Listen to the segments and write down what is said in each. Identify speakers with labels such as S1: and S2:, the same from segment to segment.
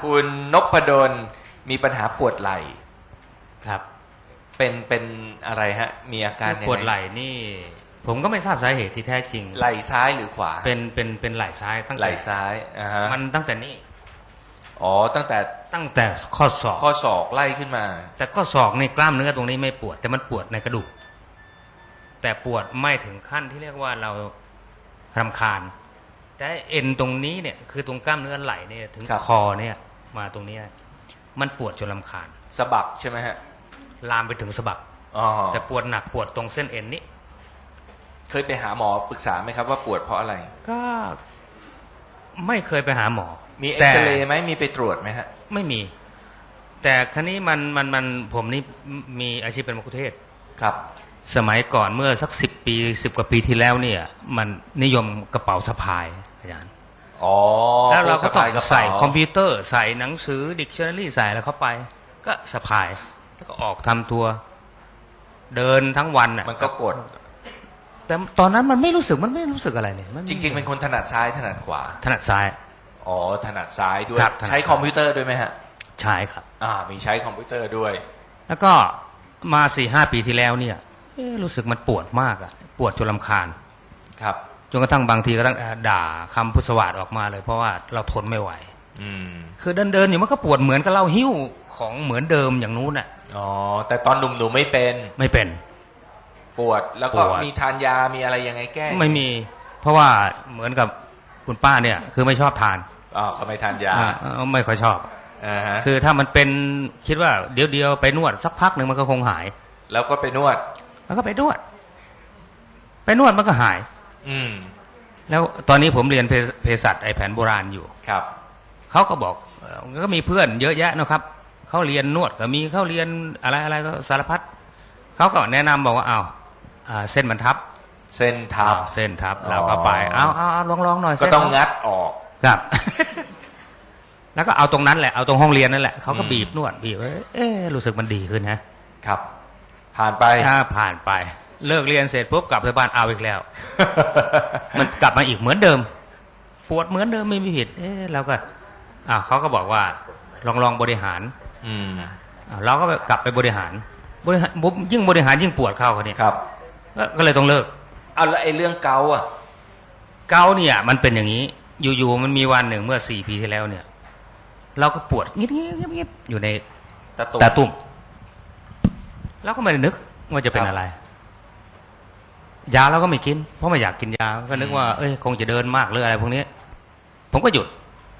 S1: คุณนพดลมีปัญหาปวดไหล่
S2: ครับ
S1: เป็นอะไรฮะมีอาการยังไง
S2: ปวดไหล่นี่ผมก็ไม่ทราบสาเหตุที่แท้จริง
S1: ไหล่ซ้ายหรือขวา
S2: เป็นไหล่ซ้ายตั้งแต่
S1: ไหล่ซ้ายฮะ
S2: มันตั้งแต่นี้
S1: อ๋อตั้งแต่
S2: ข้อศอก
S1: ไล่ขึ้นมา
S2: แต่ข้อศอกในกล้ามเนื้อตรงนี้ไม่ปวดแต่มันปวดในกระดูกแต่ปวดไม่ถึงขั้นที่เรียกว่าเรารำคาญแต่เอ็นตรงนี้เนี่ยคือตรงกล้ามเนื้อไหล่เนี่ยถึงคอเนี่ยมาตรงนี้มันปวดจนรำคาญ
S1: สะบักใช่ไหมฮะ
S2: ลามไปถึงสะบักแต่ปวดหนักปวดตรงเส้นเอ็นนี้
S1: เคยไปหาหมอปรึกษาไหมครับว่าปวดเพราะอะไร
S2: ก็ไม่เคยไปหาหมอ
S1: มีเอ็กซเรย์ไหมมีไปตรวจไหมฮะ
S2: ไม่มีแต่ครั้นี้มันผมนี่มีอาชีพเป็นมัคคุเทศก์
S1: ครับ
S2: สมัยก่อนเมื่อสัก10 กว่าปีที่แล้วเนี่ยมันนิยมกระเป๋าสะพายอาจารย์แล้วเราก็ต้องใส่คอมพิวเตอร์ใส่หนังสือดิกชันนารีใส่แล้วเข้าไปก็สะพายแล้วก็ออกทำตัวเดินทั้งวันอ่ะ
S1: มันก็กด
S2: แต่ตอนนั้นมันไม่รู้สึกอะไรเลย
S1: จริงๆเป็นคนถนัดซ้ายถนัดขวา
S2: ถนัดซ้าย
S1: อ๋อถนัดซ้ายด้วยใช้คอมพิวเตอร์ด้วยไหมฮะ
S2: ใช่ครับ
S1: มีใช้คอมพิวเตอร์ด้วย
S2: แล้วก็มา 4-5 ปีที่แล้วเนี่ยรู้สึกมันปวดมากอ่ะปวดจนรำคาญ
S1: ครับ
S2: จนกระทั่งบางทีก็ต้องด่าคำพุทธสวัสดิ์ออกมาเลยเพราะว่าเราทนไม่ไหวคือเดินอยู่มันก็ปวดเหมือนกับเราหิ้วของเหมือนเดิมอย่างนู้นอ่ะ
S1: แต่ตอนหนุ่มๆไม่เป็นปวดแล้วก็มีทานยามีอะไรยังไงแก้
S2: ไม่มีเพราะว่าเหมือนกับคุณป้าเนี่ยคือไม่ชอบทาน
S1: เขาไม่ทานยา
S2: ไม่ค่อยชอบคือถ้ามันเป็นคิดว่าเดี๋ยวไปนวดสักพักหนึ่งมันก็คงหาย
S1: แล้วก็ไปนวด
S2: แล้วก็ไปนวดมันก็หายแล้วตอนนี้ผมเรียนเภสัชแผนโบราณอยู่
S1: ครับ
S2: เขาก็บอกก็มีเพื่อนเยอะแยะนะครับเขาเรียนนวดก็มีเขาเรียนอะไรก็สารพัดเขาก็แนะนำบอกว่าเส้นมันทับ
S1: เส้น
S2: ทับเราก็ไปเอาลองหน่อย
S1: ก็ต้องงัดออก
S2: ครับ แล้วก็เอาตรงนั้นแหละเอาตรงห้องเรียนนั่นแหละเขาก็บีบนวดบีบรู้สึกมันดีขึ้น
S1: นะครับผ่านไป
S2: เลิกเรียนเสร็จปุ๊บกลับไปบ้านเอาอีกแล้ว มันกลับมาอีกเหมือนเดิมปวดเหมือนเดิมไม่มีผิดแล้วก็เขาก็บอกว่าลองบริหารเราก็กลับไปบริหารยิ่งบริหารยิ่งปวดเข้าเขาเนี่ย
S1: ครับ
S2: ก็เลยต้องเลิก
S1: แล้วไอ้เรื่องเกา
S2: เนี่ยมันเป็นอย่างนี้อยู่มันมีวันหนึ่งเมื่อ4 ปีที่แล้วเนี่ยเราก็ปวดเงียบอยู่ในตาตุ่มแล้วก็ไม่ได้นึกว่าจะเป็นอะไรยาเราก็ไม่กินเพราะไม่อยากกินยาก็นึกว่าคงจะเดินมากหรืออะไรพวกนี้ผมก็หยุด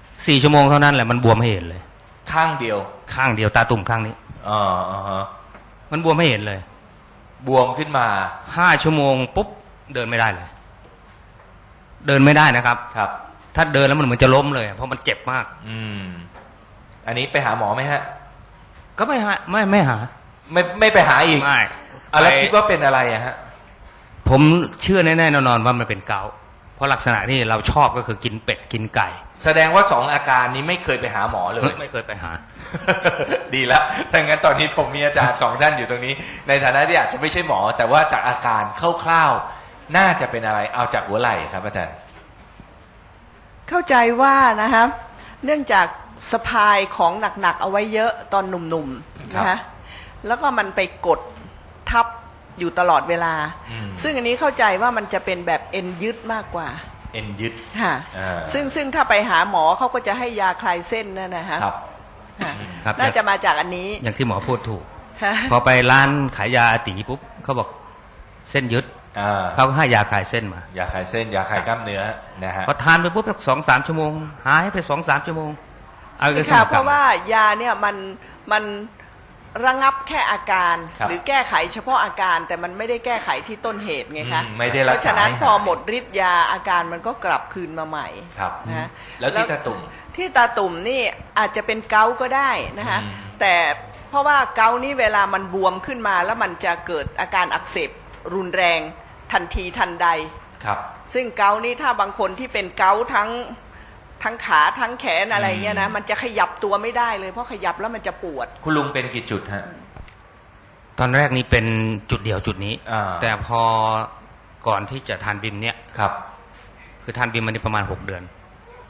S2: 4 ชั่วโมงเท่านั้นแหละมันบวมให้เห็นเลย
S1: ข้างเดียว
S2: ตาตุ่มข้างนี้มันบวมให้เห็นเลย
S1: บวมขึ้นมา
S2: 5 ชั่วโมงปุ๊บเดินไม่ได้เลยเดินไม่ได้นะครับ
S1: ครับ
S2: ถ้าเดินแล้วมันเหมือนจะล้มเลยเพราะมันเจ็บมาก
S1: อันนี้ไปหาหมอไหมฮะ
S2: ก็ไม่หาไม่
S1: ไปหาอีก
S2: ไม่
S1: แล้วคิดว่าเป็นอะไรฮะ
S2: ผมเชื่อแน่ๆนอนว่ามันเป็นเกาต์เพราะลักษณะที่เราชอบก็คือกินเป็ดกินไก่
S1: แสดงว่า2 อาการนี้ไม่เคยไปหาหมอเลย
S2: ไม่เคยไปหา
S1: ดีแล้วถ้างั้นตอนนี้ผมมีอาจารย์2 ท่านอยู่ตรงนี้ในฐานะที่อาจจะไม่ใช่หมอแต่ว่าจากอาการคร่าวๆน่าจะเป็นอะไรเอาจากหัวไหล่ครับอาจารย์
S3: เข้าใจว่านะครับเนื่องจากสะพายของหนักๆเอาไว้เยอะตอนหนุ่มๆนะคะแล้วก็มันไปกดทับอยู่ตลอดเวลาซึ่งอันนี้เข้าใจว่ามันจะเป็นแบบเอ็นยึดมากกว่า
S1: เอ็นยึด
S3: ค่ะซึ่งถ้าไปหาหมอเขาก็จะให้ยาคลายเส้นนั่นนะฮะน่าจะมาจากอันนี้
S2: อย่างที่หมอพูดถูกพอไปร้านขายยาอาติปุ๊บเขาบอกเส้นยึดเขาก็ให้ยาคลายเส้นมาย
S1: าคลายเส้นยาคลายกล้ามเนื้อนะฮะ
S2: พอทานไปปุ๊บ2-3 ชั่วโมงหายไป 2-3 ชั่วโมง
S3: ค่ะเพราะว่ายาเนี่ยมันระงับแค่อาการหรือแก้ไขเฉพาะอาการแต่มันไม่ได้แก้ไขที่ต้นเหตุไงคะเพราะฉะนั้นพอหมดฤทธิ์ยาอาการมันก็กลับคืนมาใหม่
S1: นะแล้วที่ตาตุ่
S3: มนี่อาจจะเป็นเกาต์ก็ได้นะคะแต่เพราะว่าเกาต์นี่เวลามันบวมขึ้นมาแล้วมันจะเกิดอาการอักเสบรุนแรงทันทีทันใดซึ่งเกาต์นี่ถ้าบางคนที่เป็นเกาต์ทั้งขาทั้งแขนอะไรเงี้ยนะมันจะขยับตัวไม่ได้เลยเพราะขยับแล้วมันจะปวด
S1: คุณลุงเป็นกี่จุดฮะ
S2: ตอนแรกนี่เป็นจุดเดียวจุดนี้แต่พอก่อนที่จะทานบิมเนี่ยคือทานบิมมันประมาณ6 เดือน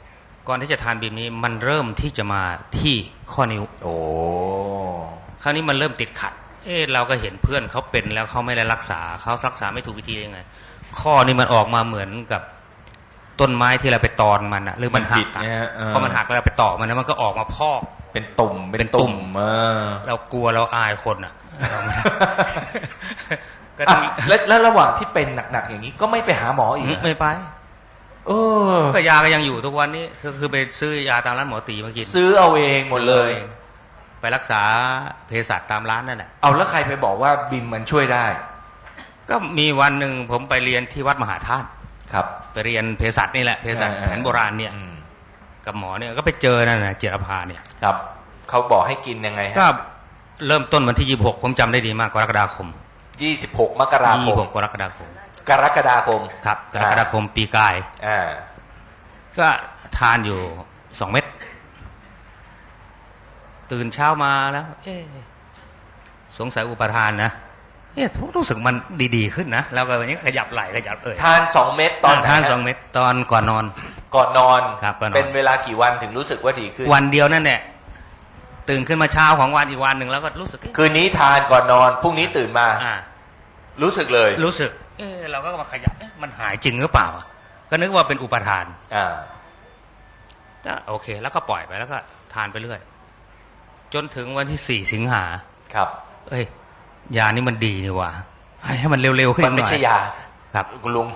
S2: ก่อนที่จะทานบีมนี้มันเริ่มที่จะมาที่ข้อนิ้ว
S1: โอ้
S2: คราวนี้มันเริ่มติดขัดเราก็เห็นเพื่อนเขาเป็นแล้วเขาไม่ได้รักษาเขารักษาไม่ถูกวิธียังไงข้อนี้มันออกมาเหมือนกับต้นไม้ที่เราไปตอนมันอะหรือมันหักอะพอมันหักแล้วเราไปต่อมันแล้วมันก็ออกมาพอก
S1: เป็นตุ่มเป็นตุ่ม
S2: เรากลัวเราอายคนอะก็
S1: แล้วระหว่างที่เป็นหนักๆอย่างนี้ก็ไม่ไปหาหมออีก
S2: ไม่ไปก็ยาก็ยังอยู่ทุกวันนี้คือไปซื้อยาตามร้านหมอตีมากิน
S1: ซื้อเอาเองหมดเลย
S2: ไปรักษาเภสัชตามร้านนั่นแหละ
S1: เอาแล้วใครไปบอกว่าบิมมันช่วยได้
S2: ก็มีวันหนึ่งผมไปเรียนที่วัดมหาธาตุ
S1: ครับ
S2: ไปเรียนเภสัชนี่แหละเภสัชแผนโบราณเนี่ยกับหมอเนี่ยก็ไปเจอนั่นนะเจรพาเนี่ย
S1: ครับเขาบอกให้กินยังไง
S2: ก็เริ่มต้นวันที่26ผมจำได้ดีมากกรกฎาคม
S1: 26 มกราคม
S2: 26 กรกฎาคม
S1: ครับ
S2: กรกฎาคมปีกายก็ทานอยู่2 เม็ดตื่นเช้ามาแล้วสงสัยอุปทานนะรู้สึกมันดีๆขึ้นนะแล้วก็วันนี้ขยับไหล่ขยับ
S1: ทาน2 เม็ดตอน
S2: ทาน2 เม็ดตอนก่อนนอนครับ
S1: เป็นเวลากี่วันถึงรู้สึกว่าดีขึ้น
S2: วันเดียวนั่นแหละตื่นขึ้นมาเช้าของวันอีกวันหนึ่งแล้วก็รู้สึก
S1: คืนนี้ทานก่อนนอนพรุ่งนี้ตื่นมารู้สึกเลย
S2: รู้สึกเราก็มาขยับมันหายจริงหรือเปล่าก็นึกว่าเป็นอุปทานก็โอเคแล้วก็ปล่อยไปแล้วก็ทานไปเรื่อยจนถึงวันที่4 สิงหา
S1: ครับ
S2: ยานี่มันดีนี่ว่ะให้มันเร็วๆขึ้นหน่อย
S1: มันไม่ใช่ยา
S2: ครับ
S1: คุณลุง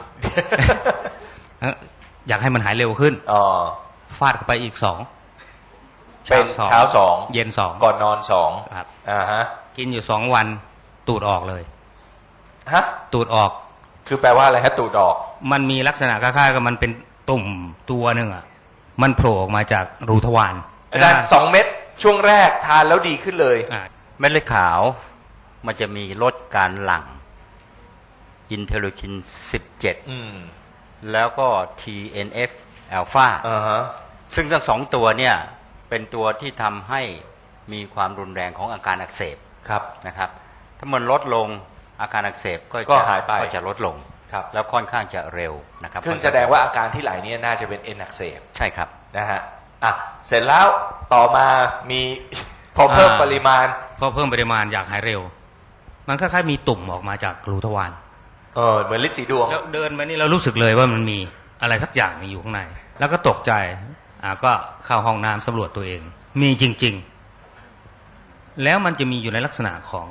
S2: อยากให้มันหายเร็วขึ้นฟาดเข้าไปอีก2
S1: เป็นเช้า2
S2: เย็น2
S1: ก่อนนอน2
S2: ครับกินอยู่2 วันตูดออกเลยตูดออก
S1: คือแปลว่าอะไรฮะตูดออก
S2: มันมีลักษณะคล้ายๆกับมันเป็นตุ่มตัวหนึ่งมันโผล่ออกมาจากรูทวาร
S1: อาจารย์2 เม็ดช่วงแรกทานแล้วดีขึ้นเลย
S4: เม็ดเลือดขาวมันจะมีลดการหลั่งอินเทอร์ลูคิน17แล้วก็ TNF อัลฟาซึ่งทั้ง2 ตัวเนี่ยเป็นตัวที่ทำให้มีความรุนแรงของอาการอักเสบนะครับถ้ามันลดลงอาการอักเสบก็
S1: หายไป
S4: ก็จะลดลงแล้วค่อนข้างจะเร็วนะครับ
S1: ซึ่งแสดงว่าอาการที่ไหลเนี่ยน่าจะเป็นเอ็นอักเสบ
S4: ใช่ครับ
S1: นะฮะเสร็จแล้วต่อมามีพอเพิ่มปริมาณ
S2: อยากหายเร็วมันคล้ายๆมีตุ่มออกมาจากรูทวาร
S1: เหมือนฤทธิ์สีดวง
S2: แล้วเดินมานี่เรารู้สึกเลยว่ามันมีอะไรสักอย่างอยู่ข้างในแล้วก็ตกใจก็เข้าห้องน้ำสำรวจตัวเองมีจริงๆแล้วมันจะมีอยู่ในลักษณะของ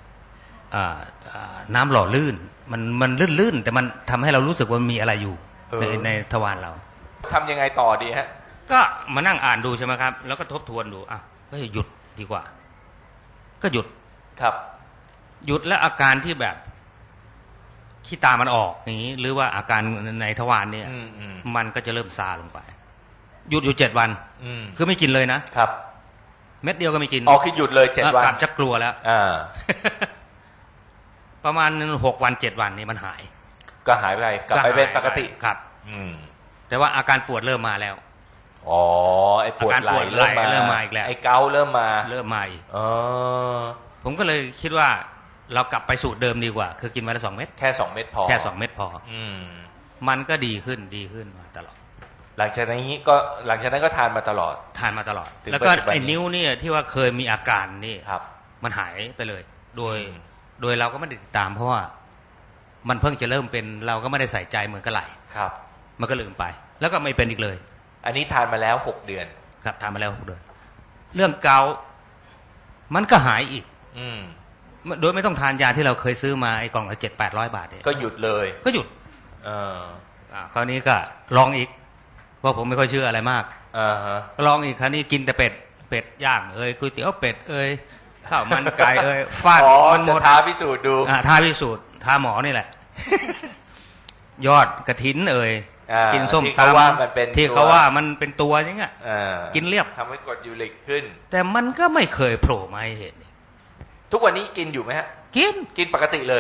S2: น้ำหล่อลื่นมันลื่นๆแต่มันทำให้เรารู้สึกว่ามีอะไรอยู่ในทวารเรา
S1: ทำยังไงต่อดีฮะ
S2: ก็มานั่งอ่านดูใช่ไหมครับแล้วก็ทบทวนดูก็หยุดดีกว่าก็หยุด
S1: ครับ
S2: หยุดแล้วอาการที่แบบขี้ตามันออกอย่างนี้หรือว่าอาการในทวารเนี่ยมันก็จะเริ่มซาลงไปหยุดอยู่7 วันคือไม่กินเลยนะครับเม็ดเดียวก็ไม่กิน
S1: คือหยุดเลย7 วัน
S2: กลับจะกลัวแล้วประมาณ6 วัน 7 วันนี่มันหาย
S1: ก็หายไปกลับไปเป็นปกติ
S2: ครับแต่ว่าอาการปวดเริ่มมาแล้ว
S1: ไอ้ปวดไหล่เริ่มมา
S2: อีกแล้ว
S1: ไอ้เกาเริ่มมา
S2: อีกผมก็เลยคิดว่าเรากลับไปสูตรเดิมดีกว่าคือกินวันละ2 เม็ด
S1: แค่2 เม็ดพอ
S2: แค่2 เม็ดพอมันก็ดีขึ้นมาตลอด
S1: หลังจากนั้นก็ทานมาตลอด
S2: แล้วก็ไอ้นิ้วเนี่ยที่ว่าเคยมีอาการนี่มันหายไปเลยโดยเราก็ไม่ได้ติดตามเพราะว่ามันเพิ่งจะเริ่มเป็นเราก็ไม่ได้ใส่ใจเหมือนกับไหลมันก็ลืมไปแล้วก็ไม่เป็นอีกเลย
S1: อันนี้ทานมาแล้ว6 เดือน
S2: ครับทานมาแล้ว6 เดือนเรื่องเกาต์มันก็หายอีกโดยไม่ต้องทานยาที่เราเคยซื้อมาไอ้กล่องละ700-800 บาทเนี่ย
S1: ก็หยุดเลย
S2: ก็หยุดคราวนี้ก็ลองอีกเพราะผมไม่ค่อยเชื่ออะไรมากลองอีกคราวนี้กินแต่เป็ดย่างก๋วยเตี๋ยวเป็ดข้าวมันไก่ฟาด
S1: มันหมดท้าพิสูจน์ดู
S2: ท้าพิสูจน์ท้าหมอนี่แหละยอดกระถินกินส้มตำที่เขาว่ามันเป็นตัวอย่างเงี้ยกินเรียบ
S1: ทำให้กรดยูริกขึ้น
S2: แต่มันก็ไม่เคยโผล่มาให้เห็น
S1: ทุกวันนี้กินอยู่ไหมฮะกินปกติเลย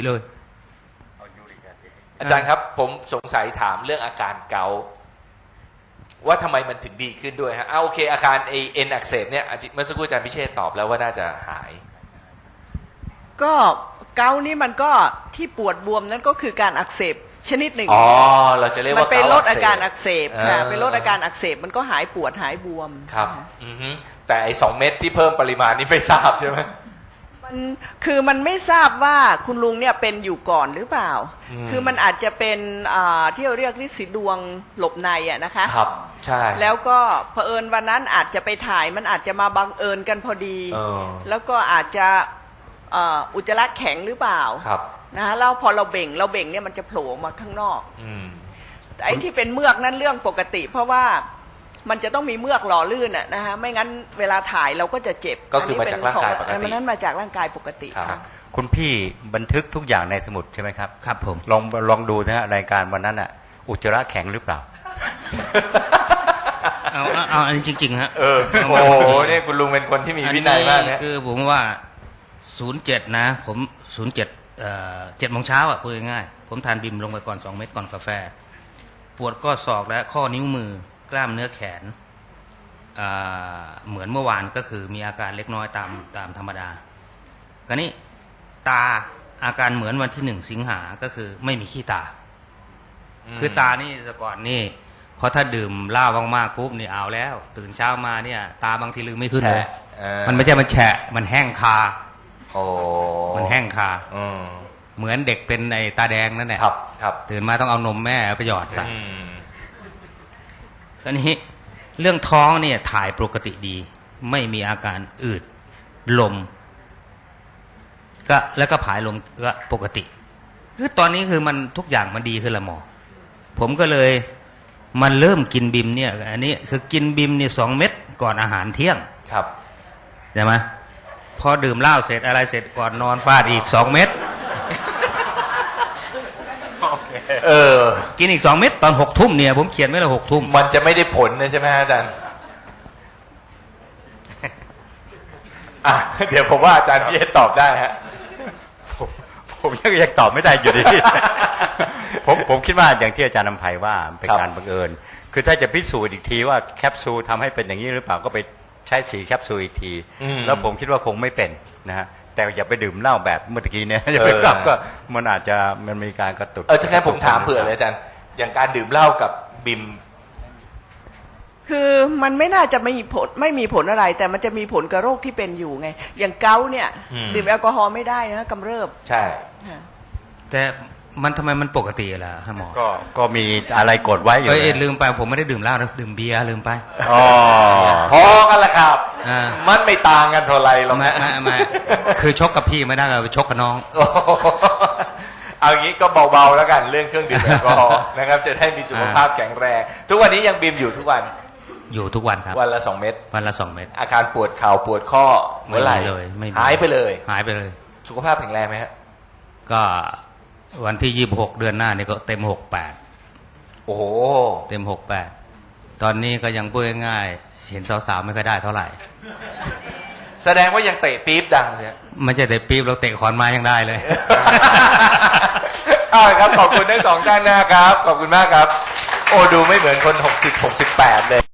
S1: อาจารย์ครับผมสงสัยถามเรื่องอาการเกาต์ว่าทำไมมันถึงดีขึ้นด้วยฮะโอเคอาการเอ็นอักเสบเนี่ยเมื่อสักครู่อาจารย์พิเชษตอบแล้วว่าน่าจะหาย
S3: ก็เกาต์นี่มันก็ที่ปวดบวมนั้นก็คือการอักเสบชนิดหนึ่ง
S1: อ๋อเราจะเรียก
S3: มัน
S1: ว่า
S3: เป็นลด
S1: เก
S3: อาการอักเสบค่ะ
S1: อ่า
S3: เป็นลดอาการอักเสบมันก็หายปวดหายบวม
S1: ครับ
S3: ค่ะ
S1: อือฮึแต่ไอ้2 เม็ดที่เพิ่มปริมาณนี่ไม่ทราบใช่ไหม
S3: มันคือมันไม่ทราบว่าคุณลุงเนี่ยเป็นอยู่ก่อนหรือเปล่า คือมันอาจจะเป็นที่เราเรียกฤทธิ์สีดวงหลบในอะนะคะ
S1: ครับใช่
S3: แล้วก็เผอิญวันนั้นอาจจะไปถ่ายมันอาจจะมาบังเอิญกันพอดี
S1: เออ
S3: แล้วก็อาจจะอุจจาระแข็งหรือเปล่า
S1: ครับ
S3: นะฮะแล้วพอเราเบ่งเนี่ยมันจะโผล่ออกมาข้างนอก
S1: อืม
S3: แต่ไอ้ที่เป็นเมือกนั้นเรื่องปกติ เพราะว่ามันจะต้องมีเมือกหล่อลื่นอะนะฮะไม่งั้นเวลาถ่ายเราก็จะเจ็บ
S1: ก็คือมาจากร่างกายปกติ
S3: มันนั้นมาจากร่างกายปกติ
S1: ครับ
S3: ค่ะ
S4: คุณพี่บันทึกทุกอย่างในสมุดใช่ไหมครับ
S2: ครับผม
S4: ลองดูนะฮะรายการวันนั้นอ่ะ อุจจาระแข็งหรือเปล่า
S2: เอาอันนี้จริงๆฮะ
S1: โอ้โหเนี่ยคุณลุงเป็นคนที่มีวินัยมาก
S2: อั
S1: นะ
S2: คือผมว่า 07 นะ ผม 07 7 โมงเช้าอ่ะพูดง่ายๆผมทานบิมลงไปก่อน 2 เม็ดก่อนกาแฟ ปวดข้อศอกและข้อนิ้วมือกล้ามเนื้อแขนเหมือนเมื่อวานก็คือมีอาการเล็กน้อยตามธรรมดาคราวนี้ตาอาการเหมือนวันที่ 1 สิงหาก็คือไม่มีขี้ตา คือตานี่แต่ก่อนนี่พอถ้าดื่มเหล้ามากๆปุ๊บนี่เอาแล้ว ตื่นเช้ามาเนี่ยตาบางทีลืมไม่ขึ้นเลย มันไม่ใช่มันแฉะมันแห้งคา
S1: โอ้
S2: มันแห้งคา
S1: อืม
S2: เหมือนเด็กเป็นไอ้ตาแดงนั่นแหละ
S1: ครับครับ
S2: ตื่นมาต้องเอานมแม่ไปหยอดใส่
S1: อืม
S2: ตอนนี้เรื่องท้องเนี่ยถ่ายปกติดี ไม่มีอาการอืดลมก็แล้วก็ผายลมก็ปกติ คือตอนนี้คือมันทุกอย่างมันดีขึ้นละหมอ ผมก็เลยมันเริ่มกินบิมเนี่ยอันนี้คือกินบิมเนี่ย2 เม็ดก่อนอาหารเที่ยง
S1: ครับ
S2: ใช่ไหมพอดื่มเหล้าเสร็จอะไรเสร็จก่อนนอนฟาดอีก2 เม็ด
S1: เออ
S2: กินอีก2 เม็ดตอน6 ทุ่มเนี่ยผมเขียนไว้เลย6 ทุ่ม
S1: มันจะไม่ได้ผลนะใช่ไหมฮะอาจารย์อ่ะเดี๋ยวผมว่าอาจารย์พี่เอตอบได้ฮะ
S4: ผมยังตอบไม่ได้อยู่ดี ผมคิดว่าอย่างที่อาจารย์นำไพว่าเป็นการบังเอิญ คือถ้าจะพิสูจน์อีกทีว่าแคปซูลทำให้เป็นอย่างนี้หรือเปล่าก็ไปใช้สีแคปซูลอีกที แล้วผมคิดว่าคงไม่เป็นนะฮะแต่อย่าไปดื่มเหล้าแบบเมื่อกี้เนี่ยอย่าไปกลับก็มันอาจจะมันมีการกระตุก
S1: ถ้าแค่ผมถามเผื่อเลยอาจารย์อย่างการดื่มเหล้ากับบิม
S3: คือมันไม่น่าจะไม่มีผลอะไร แต่มันจะมีผลกับโรคที่เป็นอยู่ไง อย่างเกาต์เนี่ยดื่มแอลกอฮอล์ไม่ได้นะกำเริบ
S1: ใช่
S3: ค่ะ
S2: แต่มันทำไมมันปกติล่ะฮะหมอ
S4: ก็มีอะไรกดไว้อยู่
S2: เอ้ย
S4: นะ
S2: ลืมไปผมไม่ได้ดื่มเหล้านะดื่มเบียร์ลืมไป
S4: อ๋อ
S1: พอกันละครับ
S2: อ่า
S1: มันไม่ต่างกันเท่าไหรหรอก
S2: ไม่
S1: นะ
S2: ไม่คือชกกับพี่ไม่ได้เราไปชกกับน้อง
S1: โอ้โหเอางี้ก็เบาๆแล้วกันเรื่องเครื่องดื่มแอลกอฮอล์นะครับจะได้มีสุขภาพแข็งแรงทุกวันนี้ยังบิมอยู่ทุกวัน
S2: อยู่ทุกวันครับ
S1: วันละ2 เม็ด
S2: วันละ2 เม็ด
S1: อาการปวดเข่าปวดข้อเมื่อไหร่
S2: ไม่มีเลยไม่มี
S1: หายไปเลย
S2: หายไปเลย
S1: สุขภาพแข็งแรงไหมฮะ
S2: ก็วันที่26 เดือนหน้านี่ก็เต็ม
S1: โอ้โห
S2: 68เต็ม68ตอนนี้ก็ยังพูดง่ายๆเห็นสาวๆไม่ค่อยได้เท่าไหร่
S1: แสดงว่ายังเตะปี๊บดังเลยฮะ
S2: ไม่ใช่แต่ปี๊บเราเตะขอนไม้ยังได้เลย
S1: เอาละครับขอบคุณทั้ง 2 ท่านนะครับขอบคุณมากครับ โอ้ดูไม่เหมือนคน60-68เลย